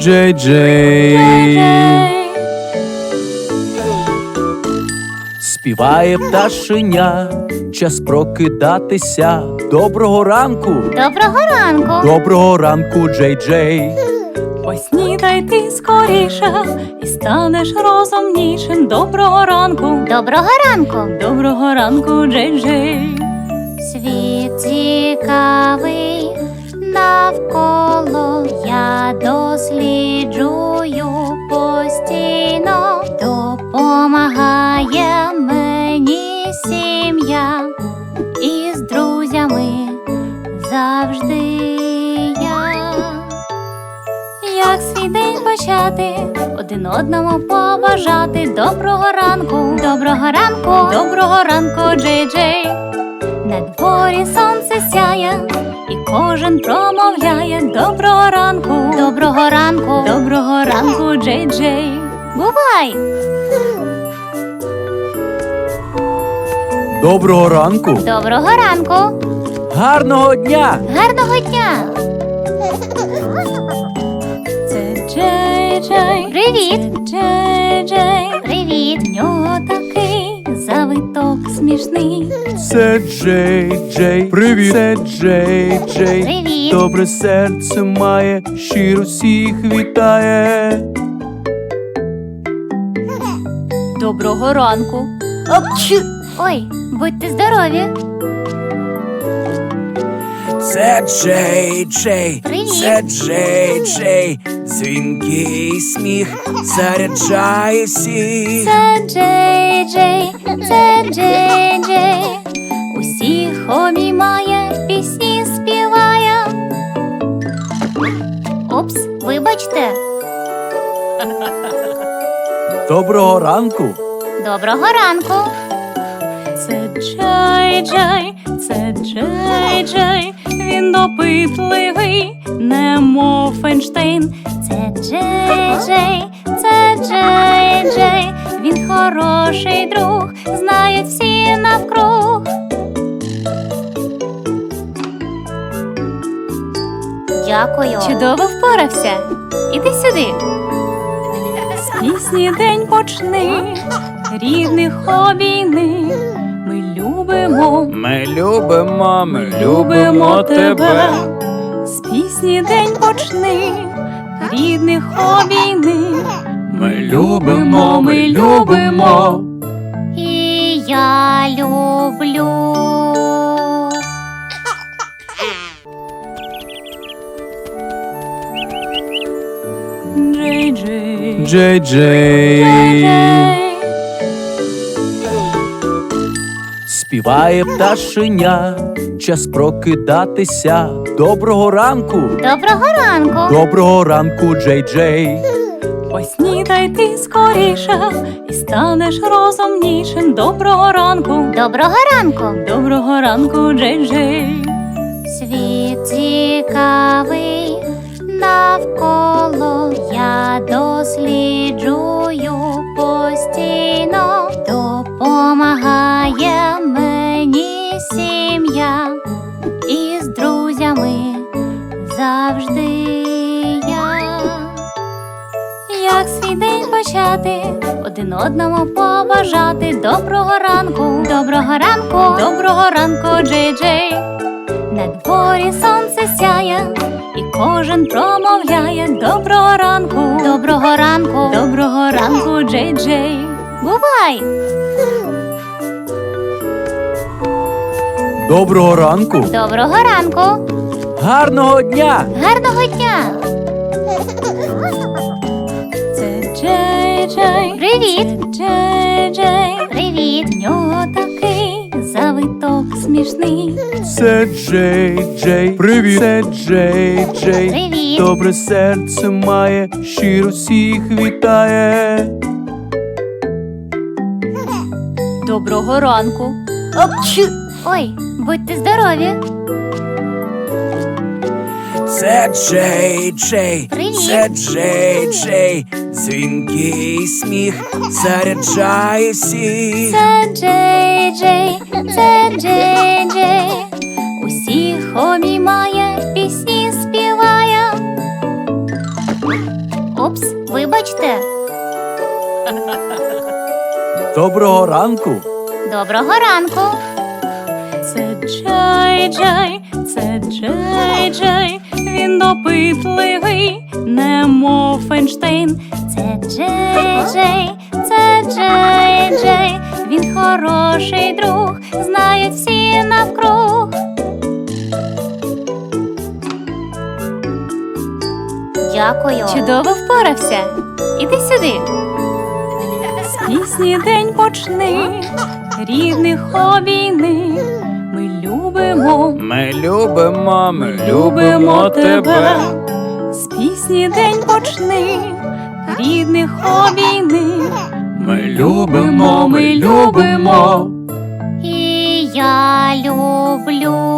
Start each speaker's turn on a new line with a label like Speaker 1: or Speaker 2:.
Speaker 1: Джей Джей. Співає пташеня, час прокидатися. Доброго ранку!
Speaker 2: Доброго ранку!
Speaker 1: Доброго ранку, Джей Джей.
Speaker 3: Поснідай ти скоріше і станеш розумнішим. Доброго ранку!
Speaker 2: Доброго ранку!
Speaker 3: Доброго ранку, Джей Джей.
Speaker 2: Світ цікавий навколо, я досліджую постійно. Допомагає мені сім'я, і з друзями завжди я. Як свій день почати, один одному побажати. Доброго ранку, доброго ранку, доброго ранку, Джей Джей. На дворі сонце сяє, і кожен промовляє. Доброго ранку, доброго ранку, доброго ранку, Джей Джей. Бувай!
Speaker 1: Доброго ранку!
Speaker 2: Доброго ранку!
Speaker 1: Гарного дня!
Speaker 2: Гарного дня!
Speaker 3: Це Джей Джей.
Speaker 2: Привіт!
Speaker 3: Це Джей Джей.
Speaker 2: Привіт!
Speaker 3: В нього такий завиток смішний.
Speaker 1: Це Джей Джей. Привіт! Це Джей Джей.
Speaker 2: Привіт!
Speaker 1: Добре серце має, щиро всіх вітає.
Speaker 3: Доброго ранку.
Speaker 2: Ой, будьте здорові!
Speaker 1: Це Джей Джей.
Speaker 2: Привіт!
Speaker 1: Це Джей Джей. Дзвінкий сміх заряджає всіх.
Speaker 2: Це Джей Джей, це Джей Джей. Усіх обіймає, пісні співає. Упс, вибачте.
Speaker 1: Доброго ранку!
Speaker 2: Доброго ранку.
Speaker 3: Це Джей Джей. Це Джей Джей. Він допитливий, немов Фейнштейн.
Speaker 2: Це Джей Джей, це Джей Джей. Він хороший друг, знають всі навкруг. Дякую.
Speaker 3: Чудово впорався. Іди сюди. З пісні день почни, рідних обійни. Ми любимо,
Speaker 1: Ми любимо, ми
Speaker 3: любимо тебе. З пісні день почни, рідних обійни.
Speaker 1: Ми любимо, ми любимо.
Speaker 2: І я люблю.
Speaker 3: Джей Джей.
Speaker 1: Джей Джей. Співає пташеня, час прокидатися. Доброго ранку!
Speaker 2: Доброго ранку.
Speaker 1: Доброго ранку, Джей Джей.
Speaker 3: Поснідай ти скоріше і станеш розумнішим. Доброго ранку.
Speaker 2: Доброго ранку.
Speaker 3: Доброго ранку, Джей Джей.
Speaker 2: Світ цікавий навколо, я досліджую постійно. Допомагає мені сім'я, і з друзями завжди я. Як свій день почати, один одному побажати. Доброго ранку, доброго ранку, доброго ранку, Джей Джей. На дворі сонце сяє, і кожен промовляє. Доброго ранку, доброго ранку, доброго ранку, Джей Джей. Бувай!
Speaker 1: Доброго ранку!
Speaker 2: Доброго ранку!
Speaker 1: Гарного дня!
Speaker 2: Гарного дня!
Speaker 3: Це Джей Джей.
Speaker 2: Привіт!
Speaker 3: Це Джей Джей.
Speaker 2: Привіт!
Speaker 3: В нього такий завиток смішний.
Speaker 1: Це Джей Джей. Привіт! Це Джей Джей.
Speaker 2: Привіт!
Speaker 1: Добре серце має, щиро всіх вітає.
Speaker 3: Доброго ранку.
Speaker 2: Ой, будьте здорові!
Speaker 1: Це Джей Джей.
Speaker 2: Привіт!
Speaker 1: Це Джей Джей. Дзвінкий сміх заряджає всіх.
Speaker 2: Це Джей Джей, це Джей Джей. Усіх обіймає, пісні співає. Вибачте.
Speaker 1: Доброго ранку.
Speaker 2: Доброго ранку.
Speaker 3: Це Джей-Джей, це Джей-Джей, він допитливий, немов Фейнштейн.
Speaker 2: Це Джей-Джей, це Джей-Джей, він хороший друг, знають всі навкруг. Дякую.
Speaker 3: Чудово впорався.
Speaker 2: Іди сюди.
Speaker 3: З пісні день почни, рідних обійни. Ми любимо,
Speaker 1: Ми любимо
Speaker 3: любимо тебе. З пісні день почни, рідних обійни.
Speaker 1: Ми любимо.
Speaker 2: І я люблю